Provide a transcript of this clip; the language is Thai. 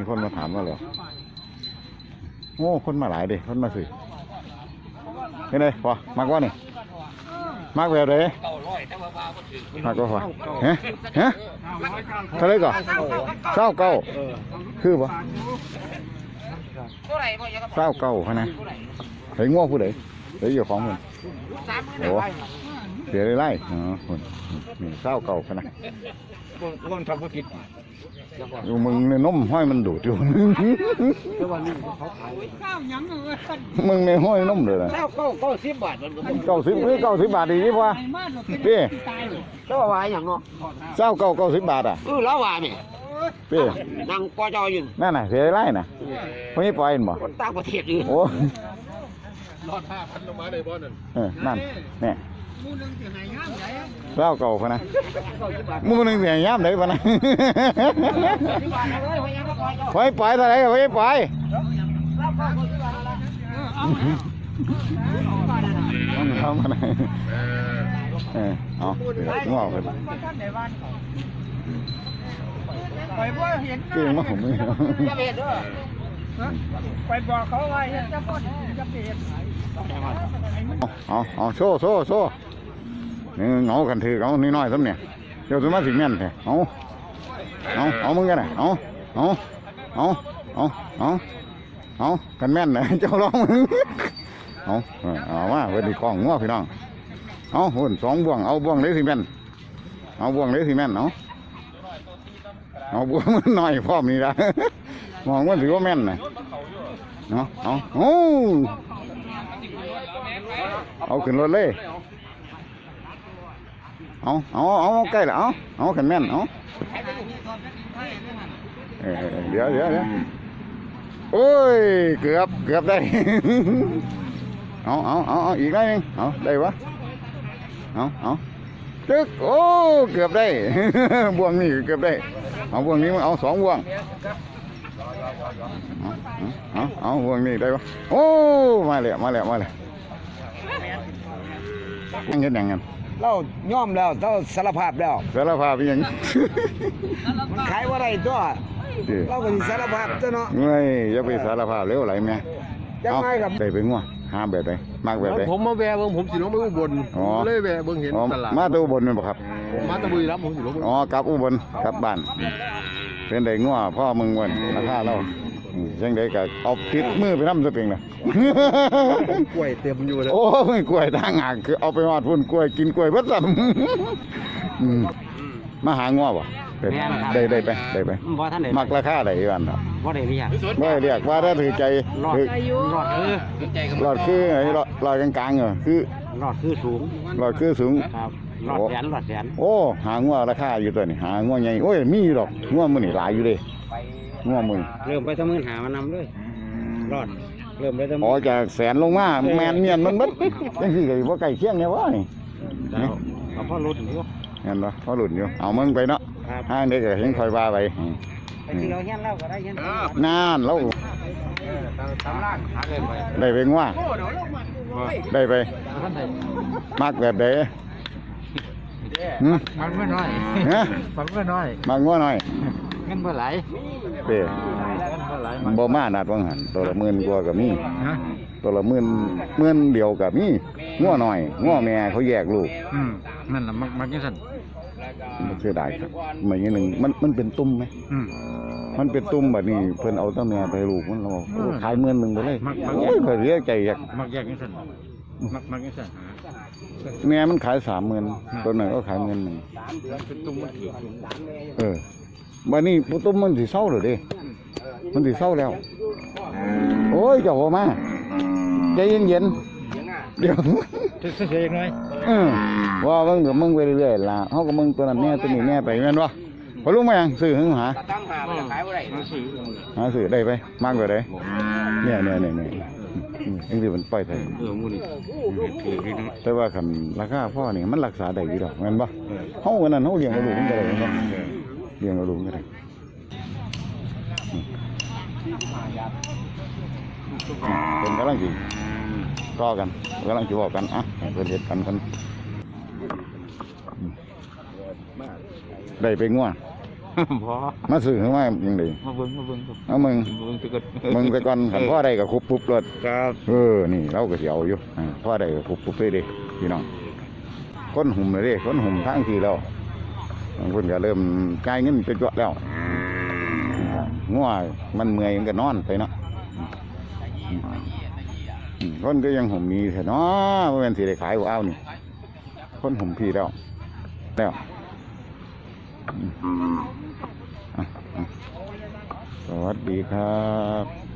มีคนมาถามว่าเหรอโอ้คนมาหลายดิคนมาสิเห็นไหมพอมากว่านี่มากแบบไหนมากก็พอฮะเท่าไรก่อนเก้าคือปะเก้าขนาดเฮ้ยง้อผู้ใดเฮ้ยอยู่ของมึงโอ้เสียไล่อ๋อคนนี่เก้าขนาดคนทำธุรกิจอยู่มึงในนมห้อยมันดูดอยู่มึงในห้อยนมเลยนะ 90 บาท 90 บาทดีดีป่ะพี่แล้วว่าอย่างเนาะ 90 บาทอ่ะแล้วว่าเนี่ยพี่นั่งปอจออยู่นั่นน่ะเสียไล่น่ะพวกนี้ปล่อยบ่คนต่างประเทศอยู่โอ้รอด5,000ลงมาได้บ่นั่นนั่นเนี่ยเก่าพะนะมูนึงเสียย่ำได้พะนะไว้ปล่อยเท่าไรไว้ปล่อยทำอะไรเอางอกเลยเก่งมากผมเลยไปบอกเขาไว้จะพ้นจะเปลี่ยนเอาโซ่นี่เงากันถือเอาน้อยๆซ้ำเนี่ยเดี๋ยวสมาสิแม่นแท้เอามึงกันนะเอากันแม่นนะเจ้าร้องมึงเอาว่าเวทีกองง้อพี่น้องเอาหุ่น2 บ่วงเอาบ่วงเลยสิแม่นเอาบ่วงเลยสิแม่นเอาบ่วงมันน้อยพร้อมนี่ละมองว่าถือว่าแม่นนะเอาขึ้นรถเลยเอาใกล้ละเอาขันแม่นเดี๋ยวโอ้ยเกือบได้เอาอีกได้นึงได้ปะเอาจึ๊กโอ้เกือบได้บ่วงนี่เกือบได้เอาบ่วงนี้มันเอา2 บ่วงเอาบ่วงนี่ได้ปะโอ้มาแล้วยังเห็นอย่างนั้นเราย่อมแล้วเราสารภาพแล้วยังมันขายว่าไรตัวเราก็สารภาพตัวเนาะไม่อย่าไปสารภาพเร็วไหลแม่ยังไงครับได้ไปงัวห้ามแบบไหนมากแบบไหนผมมาแวะเบิ่งผมสิลงไปอุบลเลยแวะเบิ่งเห็นตลาดมาตัวอุบลนี่บ่ครับผมมาตะบุรีรัมย์ผมสิลงกลับอุบลกลับบ้านเป็นได้งัวพ่อมึงวันราคาเรายังได้ก็เอาติดมือไปน้ำสปริงนะกล้วยเต็มอยู่เลยโอ้ยกล้วยทางหางคือเอาไปหอดพุ่นกล้วยกินกล้วยพัดลำมาหางัวบ่ได้ไปมักราคาได้กันครับว่าได้เรียกว่าถ้าถือใจหลอดคือไอ้หลอดกลางๆคือหลอดคือสูงครับหลอดแสนโอ้หางัวราคาอยู่ตัวนี้หางัวใหญ่โอ้ยมีอยู่ดอกงัวมันนี่หลายอยู่เลยงัวมึงเริ่มไปทำเงินหามานำเลยรอดเริ่มไปทำจากแสนลงมาแมนเมียนมันบัดยังสิไก่ว่าไก่เคียงเนี่ยวะนี่เอาพ่อหลุดอยู่เห็นปะพ่อหลุดอยู่เอามึงไปเนาะห้างเด็กเห็นคอยว่าไปเราเห็นเล่าก็ได้เห็นนานแล้วได้ไปงัวได้ไปมากแบบไหนมันไม่น้อยมันไม่น้อยมากงัวน้อยเงินเมื่อไหร่เป้บ่มานาดวังหันตัวละ10,000 กว่ากับมีตัวละ10,000 เดียวกับมีงัวหน่อยงัวแม่เขาแยกลูกนั่นแหละมักยังสั่นมันเสียดายครับเหมือนอย่างหนึ่งมันเป็นตุ่มไหมมันเป็นตุ่มแบบนี้เพิ่นเอาตั้งแม่ไปลูกมันเราขาย10,000 ไปเลยโอ้ยเพิ่นเรียกใจอยากมักแยกยังสั่นมักยังสั่นแม่มันขาย30,000ตัวหนึ่งก็ขาย10,000บัดนี้ปุตุ้มมันสิเศร้าหรือดิมันสิเศร้าแล้วโอ้ยเจ้าพ่อมาใจเย็นเดี๋ยวเสียยังไงว่ามึงไปเรื่อยๆล่ะเขาก็มึงตัวนั้นแน่ตัวนี้แน่ไปแม่นวะพอรู้ไหมยังซื้อหึงหาซื้อได้ไปมากกว่าได้เนี่ยนี่คือมันปล่อยไทยแต่ว่าคันราคาพ่อนี่มันรักษาได้อยู่ดอกแม่นปะเขาวันนั้นเขาเลี้ยงกระดูกมันก็ได้แม่นปะเลี้ยงกระดูกก็ได้เป็นกำลังจีรอกันกำลังจีบอกกันเกิดเหตุกันได้ไปง่วพอมาซื้อขึ้นมายังไงมาเบิ่งครับเอามึงเบิ่งตึกมึงไปก่อนขันพ่อใดก็คุบปุ๊บรถครับนี่เราก็สิเอาอยู่พ่อใดก็คุบปุ๊บเลยเดิพี่น้องคนหุ่มเลยเดิคนหุ่มทั้งทีแล้วบางคนก็เริ่มจ่ายเงินเป็นจวดแล้วงัวมันเมื่อยมันก็นอนไปเนาะคนก็ยังหุ่มมีเถอะเนาะว่าเป็นสิได้ขายหัวเอานี่คนหุ่มพี่แล้วสวัสดีครับ